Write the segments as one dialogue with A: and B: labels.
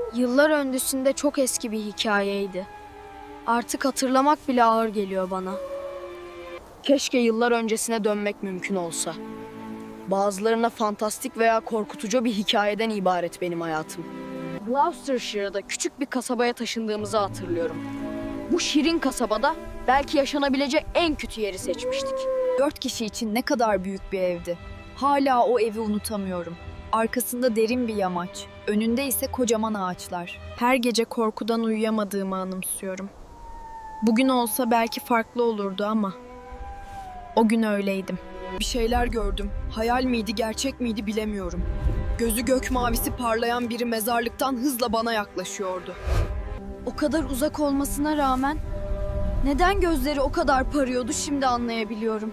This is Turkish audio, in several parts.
A: Yıllar öncesinde çok eski bir hikayeydi. Artık hatırlamak bile ağır geliyor bana. Keşke yıllar öncesine dönmek mümkün olsa. Bazılarına fantastik veya korkutucu bir hikayeden ibaret benim hayatım. Gloucestershire'da küçük bir kasabaya taşındığımızı hatırlıyorum. Bu şirin kasabada belki yaşanabilecek en kötü yeri seçmiştik.
B: 4 kişi için ne kadar büyük bir evdi. Hala o evi unutamıyorum. Arkasında derin bir yamaç, önünde ise kocaman ağaçlar. Her gece korkudan uyuyamadığımı anımsıyorum. Bugün olsa belki farklı olurdu ama o gün öyleydim.
C: Bir şeyler gördüm. Hayal miydi, gerçek miydi bilemiyorum. Gözü gök mavisi parlayan biri mezarlıktan hızla bana yaklaşıyordu.
A: O kadar uzak olmasına rağmen neden gözleri o kadar parıyordu şimdi anlayabiliyorum.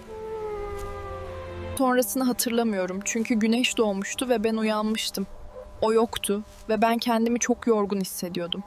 C: Sonrasını hatırlamıyorum çünkü güneş doğmuştu ve ben uyanmıştım. O yoktu ve ben kendimi çok yorgun hissediyordum.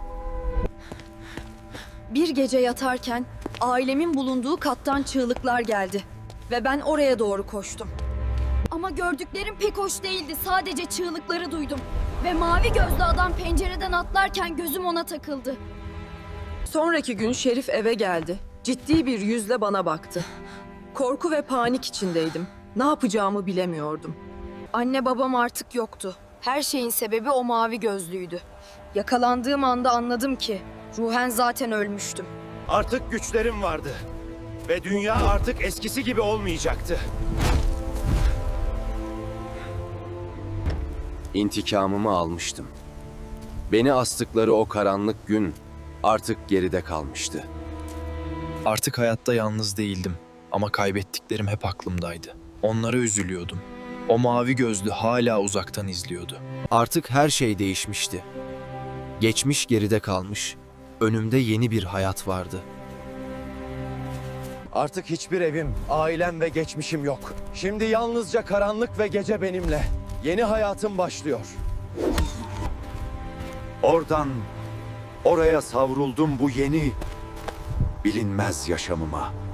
A: Bir gece yatarken ailemin bulunduğu kattan çığlıklar geldi ve ben oraya doğru koştum. Ama gördüklerim pek hoş değildi. Sadece çığlıkları duydum ve mavi gözlü adam pencereden atlarken gözüm ona takıldı.
C: Sonraki gün Şerif eve geldi. Ciddi bir yüzle bana baktı. Korku ve panik içindeydim. Ne yapacağımı bilemiyordum.
A: Anne babam artık yoktu. Her şeyin sebebi o mavi gözlüydü. Yakalandığım anda anladım ki ruhen zaten ölmüştüm.
D: Artık güçlerim vardı. Ve dünya artık eskisi gibi olmayacaktı.
E: İntikamımı almıştım. Beni astıkları o karanlık gün artık geride kalmıştı.
F: Artık hayatta yalnız değildim ama kaybettiklerim hep aklımdaydı. Onlara üzülüyordum. O mavi gözlü hala uzaktan izliyordu.
E: Artık her şey değişmişti. Geçmiş geride kalmış, önümde yeni bir hayat vardı.
D: Artık hiçbir evim, ailem ve geçmişim yok. Şimdi yalnızca karanlık ve gece benimle. Yeni hayatım başlıyor. Oradan oraya savruldum bu yeni bilinmez yaşamıma.